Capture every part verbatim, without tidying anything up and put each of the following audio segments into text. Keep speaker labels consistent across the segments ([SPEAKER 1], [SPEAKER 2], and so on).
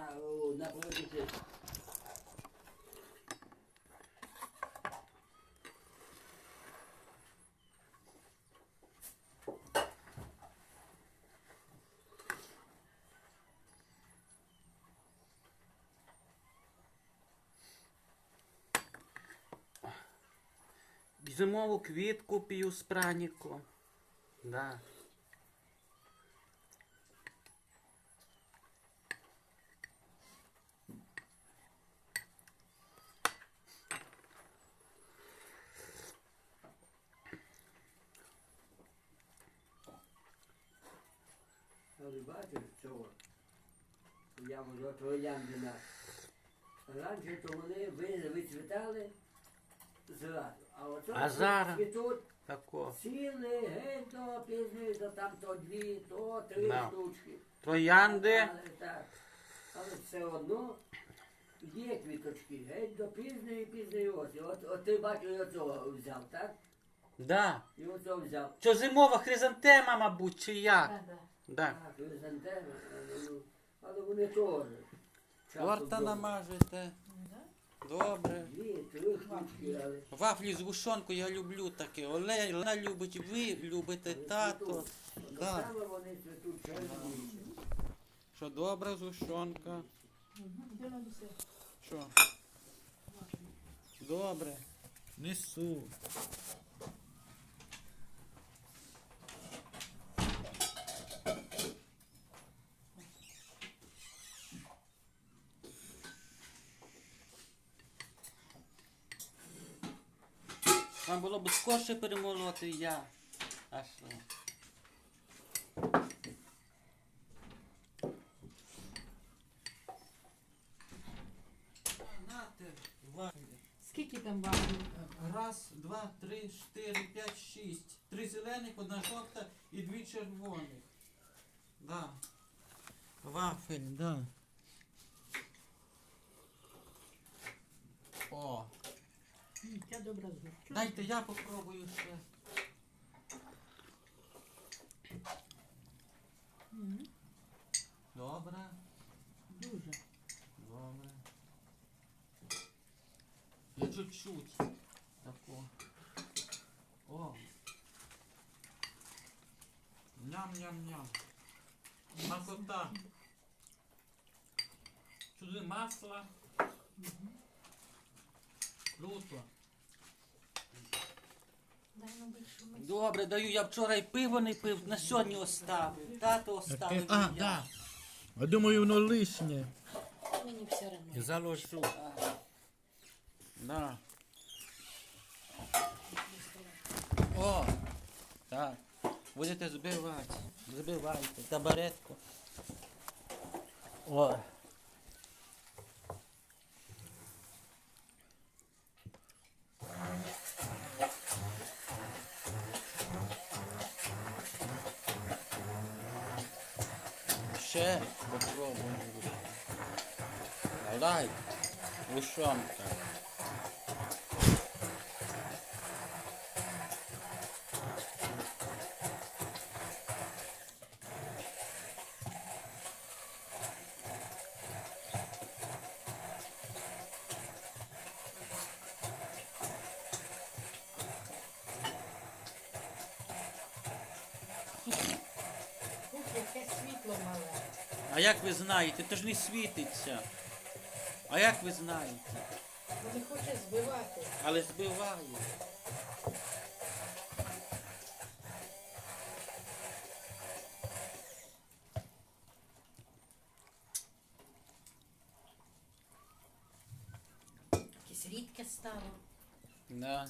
[SPEAKER 1] на, о, на полотниці.
[SPEAKER 2] Зимову квітку п'ю з праніку. Да.
[SPEAKER 1] Але бачиш цього? Я можу трояндина. Раніше то вони ви- вицвітали зразу. А оце
[SPEAKER 2] А зараз?
[SPEAKER 1] цвітуть
[SPEAKER 2] Тако.
[SPEAKER 1] цілий, геть до пізної, то там то дві, то три
[SPEAKER 2] Да.
[SPEAKER 1] штучки.
[SPEAKER 2] Троянди.
[SPEAKER 1] Але так, але все одно є квіточки, геть до пізної, пізної осені. От, от ти бачиш, і оцього взяв, так?
[SPEAKER 2] Да.
[SPEAKER 1] І оцього взяв.
[SPEAKER 2] Що зимова хризантема, мабуть, чи як?
[SPEAKER 3] Да, да.
[SPEAKER 2] Да.
[SPEAKER 1] А, хризантеми, але, ну, але вони теж. часом
[SPEAKER 2] Торта
[SPEAKER 1] добре.
[SPEAKER 2] намажете.
[SPEAKER 3] Да?
[SPEAKER 2] Добре.
[SPEAKER 1] Дві, три штучки, але.
[SPEAKER 2] Вафлі з гушонкою я люблю таке. Оле, Олена любить, ви любите, тато. Да.
[SPEAKER 1] Саме вони цвітуть червоні.
[SPEAKER 2] Що добра згущенка?
[SPEAKER 3] Угу. Де на десерт?
[SPEAKER 2] Що? Добре. Несу. Вам було б скорше перемолоти я. А що? Нате, вафлі.
[SPEAKER 3] Скільки там вафлів?
[SPEAKER 2] Раз, два, три, чотири, п'ять, шість. Три зелених, одна жовта і дві червоних. Да. Вафель, да. О,
[SPEAKER 3] М, Ця добра згущена.
[SPEAKER 2] дайте я попробую ще.
[SPEAKER 3] Мгм.
[SPEAKER 2] Добре,
[SPEAKER 3] Дуже.
[SPEAKER 2] добре. Я чуть-чуть. Тако. О. Ням-ням-ням. Смакота. Сюди масло. Круто.
[SPEAKER 3] Дай нам більше миску.
[SPEAKER 2] Добре, даю. Я вчора й пиво не пив, на сьогодні оставив. Тато оставив.
[SPEAKER 4] А,
[SPEAKER 2] і я.
[SPEAKER 4] да. Я думаю, воно лишнє.
[SPEAKER 3] Мені все одно.
[SPEAKER 4] Заложу.
[SPEAKER 2] Да. О, так. Будете збивати. Збивайте. Табаретку. О. Ще попробуємо. Давай. Гущонка.
[SPEAKER 3] Ух, яке світло мале.
[SPEAKER 2] А як ви знаєте, то ж не світиться. А як ви знаєте?
[SPEAKER 3] Бо не хоче збивати.
[SPEAKER 2] Але збиває.
[SPEAKER 3] Якесь рідке стало.
[SPEAKER 2] Да.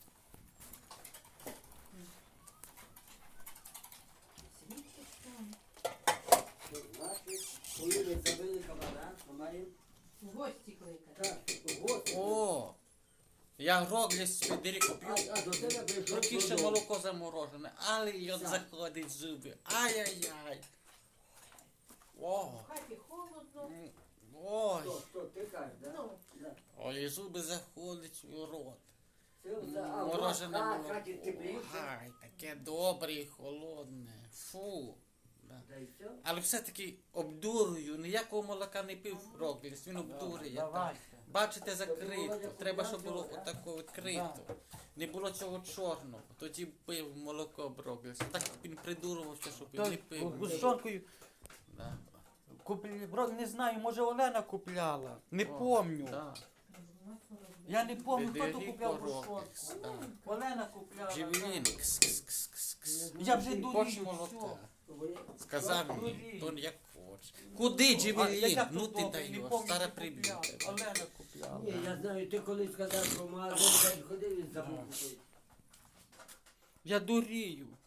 [SPEAKER 3] Якесь рідке стало.
[SPEAKER 1] Значить, коли ви забили кабана, то маємо
[SPEAKER 3] В гості кликати.
[SPEAKER 1] так, гості.
[SPEAKER 2] О! Я гроглі з Федеріко
[SPEAKER 1] А,
[SPEAKER 2] п'ю.
[SPEAKER 1] а до тебе прийшов
[SPEAKER 2] Трохи ще
[SPEAKER 1] додому.
[SPEAKER 2] молоко заморожене, але й от
[SPEAKER 1] Так.
[SPEAKER 2] заходить в зуби. Ай-яй-яй. О!
[SPEAKER 3] В хаті холодно.
[SPEAKER 2] М, Ой!
[SPEAKER 1] Що, що, ти кажеш, да?
[SPEAKER 3] Ну,
[SPEAKER 1] Да.
[SPEAKER 2] Ой, і зуби заходять у рот.
[SPEAKER 1] Це оце, а в
[SPEAKER 2] Морожене
[SPEAKER 1] ха-
[SPEAKER 2] молоко.
[SPEAKER 1] хаті тепліше.
[SPEAKER 2] Ай, таке добре і холодне. Фу. Да. Да.
[SPEAKER 1] Та й все.
[SPEAKER 2] Але все-таки обдурюю, ніякого молока не пив Рогліс, він обдурює. так.
[SPEAKER 5] Давайте.
[SPEAKER 2] Бачите, закрито. Треба, щоб було отако відкрито.
[SPEAKER 5] Да.
[SPEAKER 2] Не було цього чорного. Тоді пив молоко Брогліс. Так він придурувався, щоб він
[SPEAKER 5] То
[SPEAKER 2] не пив.
[SPEAKER 5] з жонкою
[SPEAKER 2] Да.
[SPEAKER 5] купили, бро, не знаю, може Олена купляла. Не
[SPEAKER 2] О,
[SPEAKER 5] помню.
[SPEAKER 2] да.
[SPEAKER 5] Я не помню, хто то
[SPEAKER 2] Федеріко
[SPEAKER 5] купляв
[SPEAKER 2] Рогліс,
[SPEAKER 5] гущонку.
[SPEAKER 2] да.
[SPEAKER 5] Олена купляла.
[SPEAKER 2] Джевелін. Кс, кс, кс, кс, кс.
[SPEAKER 5] Я вже дурію,
[SPEAKER 2] Хоч
[SPEAKER 5] все.
[SPEAKER 2] молока.
[SPEAKER 1] Вони-
[SPEAKER 2] Сказав
[SPEAKER 5] Дурію.
[SPEAKER 2] мені, то як хочеш. Куди
[SPEAKER 5] А,
[SPEAKER 2] Джевелін?
[SPEAKER 5] я
[SPEAKER 2] Ну
[SPEAKER 5] тут
[SPEAKER 2] ти
[SPEAKER 5] добре, не
[SPEAKER 2] даєш,
[SPEAKER 5] помню,
[SPEAKER 2] стара
[SPEAKER 5] хто купляв.
[SPEAKER 2] прибіта.
[SPEAKER 5] Олена купляла.
[SPEAKER 1] Ні, я знаю, ти коли сказав, що магазин день ходив, він забув
[SPEAKER 5] Да.
[SPEAKER 1] купити.
[SPEAKER 2] Я дурію.